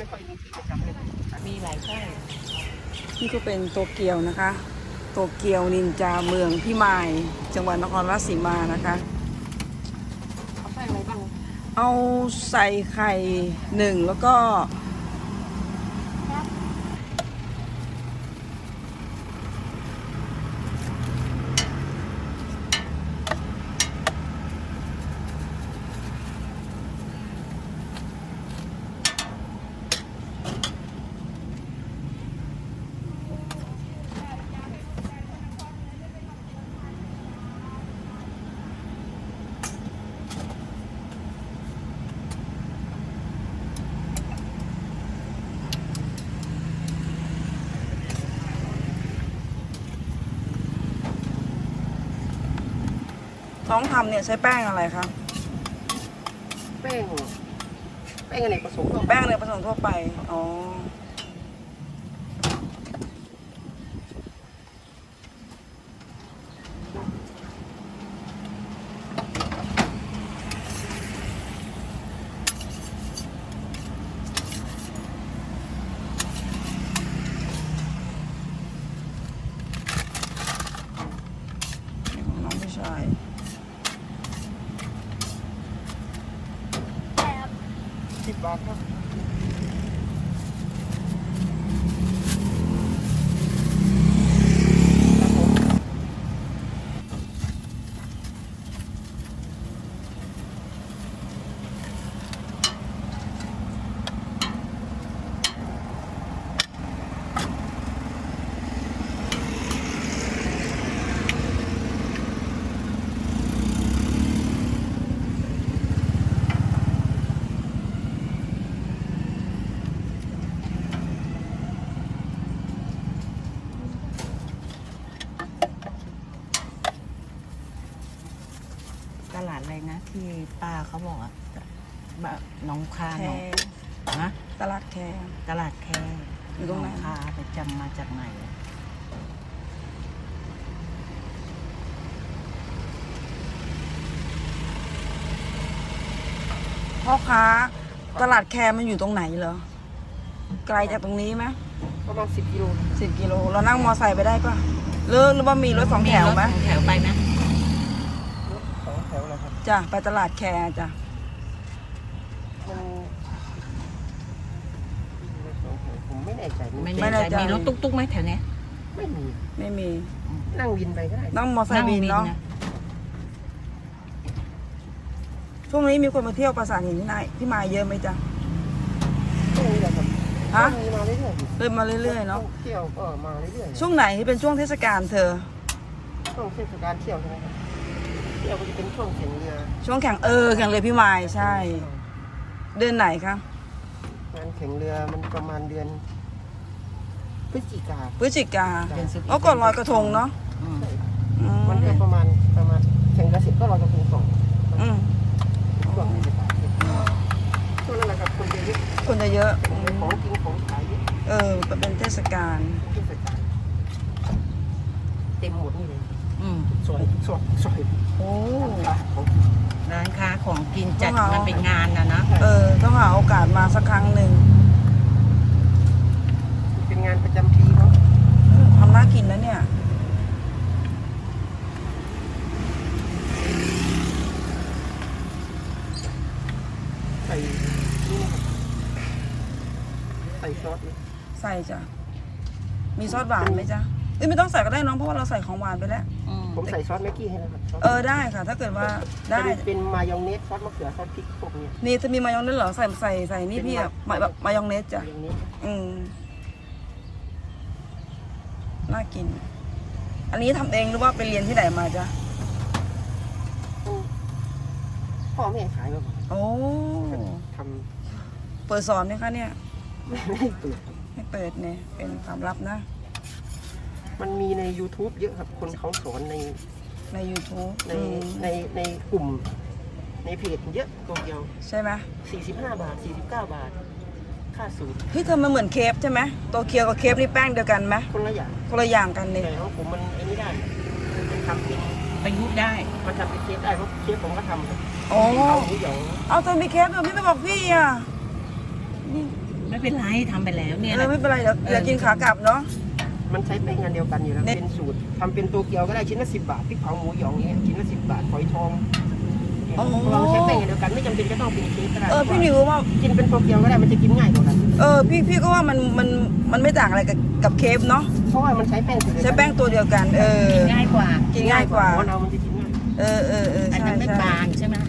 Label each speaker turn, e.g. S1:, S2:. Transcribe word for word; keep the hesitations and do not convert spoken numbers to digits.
S1: ค่อยมีที่ประจำเลยมีหลายค่าย
S2: นี่ก็เป็นโตเกียวนะคะโตเกียวนินจาเมืองพิมายจังหวัดนครราชสีมานะคะ
S1: เอาไส้อะไรบ้าง
S2: เอาใส่ไข่หนึ่งแล้วก็น้องทำเนี่ยใช้แป้งอะไรคะ
S1: แป้งแป้งอเนกประสงค์
S2: แป้งเนยผสมทั่วไปอ๋อน้องผู้ชาย
S1: สิบบาทครับ
S3: ตลาดอะไรนะที่ป้าเขาบอกอะแบบหนองคา
S2: แค
S3: หนองนะ
S2: ตลาดแค
S3: ตลาดแค
S2: อยู่ตรงไหน
S3: หนองคาไปจำมาจากไหนอะ
S2: พ่อค้าตลาดแคมันอยู่ตรงไหนเหรอไกลจากตรงนี้ไหม
S1: ประมาณสิบกิโล
S2: สิบกิโลเรานั่งมอไซค์ไปได้ปะหรือหรือว่ามีรถสองแถวไหม
S3: รถสองแถวไปไหม
S1: รถสองแถวเลยครับ
S2: จ้ะไปตลาดแคจ้ะ
S1: มันรถสองแถวผมไม่แน่ใจ
S3: ไม่แน่ใจมีรถตุ๊กๆไหมแถวเนี้ย
S1: ไม่มี
S2: ไม่มี
S1: นั่งวินไปก็ได้
S2: นั่งมอไซค์บินเนาะช่วงนี้มีคนมาเที่ยวปราสาทหินที่ไหนที่มาเยอะไหมจ๊ะ
S1: ช่วงนี้แหละครับ
S2: ฮะ
S1: มีมาเรื่อยๆ
S2: เริ่มมาเรื่อยๆเนาะ
S1: เที่ยวก็มาเรื่อยๆ
S2: ช่วงไหนที่เป็นช่วงเทศกาลเธอ
S1: ช่วงเทศกาลเที่ยวใช่ไหมครับเที่ยวก็จะเป็นช่วงแข่งเรือ
S2: ช่วงแข่งเออแข่งเรือพิมายใช่ เดือนไหนคะ
S1: งานแข่งเรือมันประมาณเดือนพฤศจิกา
S2: พฤศจิกา
S3: เดือนสิบ
S2: แล้วก่อนลอยกระทงเนาะ
S3: อืม
S2: อืม
S1: มันก็ประมาณประมาณแข่งกระสิบก็เราจะเป็นสอง
S2: อืม
S1: ช่วงเทศกาลช่วงนั้นแหละครับคนจะเยอะ
S2: คนจะเยอะอืม
S1: ของกินของขายเยอะ
S2: เออเป็นเทศกาล
S1: เทศกาลเต็มหมดนี่เลย
S3: อืม
S1: สวยสวยสวย
S2: โอ้
S1: ร้านของ
S3: ร้านค้าของกินจัด
S2: ของเรามั
S3: มันเป็นงานนะนะ
S2: เออต้องหาโอกาสมาสักครั้งหนึ่ง
S1: เป็นงานประจำปีเนาะ
S2: ทำน่ากินนะเนี่ย
S1: ใส่นี่นะครับใส่ซอสนี่
S2: ใส่จ้ะมีซอสหวานไหมจ๊ะเอ้ยไม่ต้องใส่ก็ได้น้องเพราะว่าเราใส่ของหวานไปแล้ว
S3: อืม
S1: ผมใส่ซอสแม็กกี้ให้นะครับซส
S2: เออได้ค่ะ ถ้าเกิดว่าได้
S1: เป็นเป็นมายองเนสซอสมะเขือซอสพริกพวกนี้
S2: นี่จะมีมายองเนสเหรอใส่ใส่ใส่นี่พี่อะมายมายองเนสจ้ะ
S1: มายองเนส
S2: อืมน่ากิน อันนี้ทำเองหรือว่าไปเรียนที่ไหนมาจ๊ะ
S1: พ่อแม่ขายมาก่อน
S2: โอ้
S1: ท
S2: เปิดสอนไหมคะเนี่ย
S1: ำไม่ได้เปิดครับ
S2: ไม่เปิดเนี่ยเป็นความลับนะ
S1: มันมีใน YouTube เยอะครับ คนเขาสอนใน
S2: ใน YouTube
S1: ใน
S2: อืม
S1: ในในกลุ่ม ในเพจเยอะตัวเดียว
S2: ใช่ไหม
S1: สี่สิบห้าบาทสี่สิบเก้าบาท ค่าสูตร
S2: เฮ้ยเธอมันเหมือนเคฟใช่ไหมโตเกียวกับเคฟนี่แป้งเดียวกันไหม
S1: คนละอย่าง
S2: คนละอย่างกันเลย
S1: แต่ของผมมันไอ้นี่ได้มันทำเป็น
S3: ประยุกต์ได้
S1: มันทำเป็นเคฟได้เพราะเคฟผมก็ทำครับ
S2: โอ้
S1: เอาหมูหยอง
S2: เอาเธอมีเคฟเธอไม่ไปบอกพี่อ่ะนี่
S3: ไม่เป็นไรทำไปแล้วเนี่ย
S2: เออไม่เป็นไรเดี๋ยวเดี๋ยวกินขากลับเนาะ
S1: มันใช้แป้งอันเดียวกันอยู่แล้ว
S2: เนี่ย
S1: เป็นสูตรทำเป็นโตเกียวก็ได้ชิ้นละสิบบาทพริกเผาหมูหยองเนี่ยชิ้นละสิบบาทฝอยทองเนี่ยเราใช้แป้งอันเดียวกันไม่จำเป็นจะต้องเป็นเค้กก็ได้
S2: เออพี่หนิวว่า
S1: กินเป็นโตเกียวก็ได้มันจะกินง่ายกว่ากัน
S2: เออพี่พี่ก็ว่ามันมันมันไม่ต่างอะไรกับกับเคฟเนาะ
S1: เพราะว่ามันใช้แป้งสูตรเดียวกัน
S2: ใช้แป้งตัวเดียวกัน เออ
S3: ง่ายกว่า
S2: กินง่ายกว่า
S1: ของเรามันจะกินง่าย
S2: เออเออเออ
S3: อัน
S2: ใช่
S3: นั้นไม่
S2: ใช่
S3: บางใช่ไหม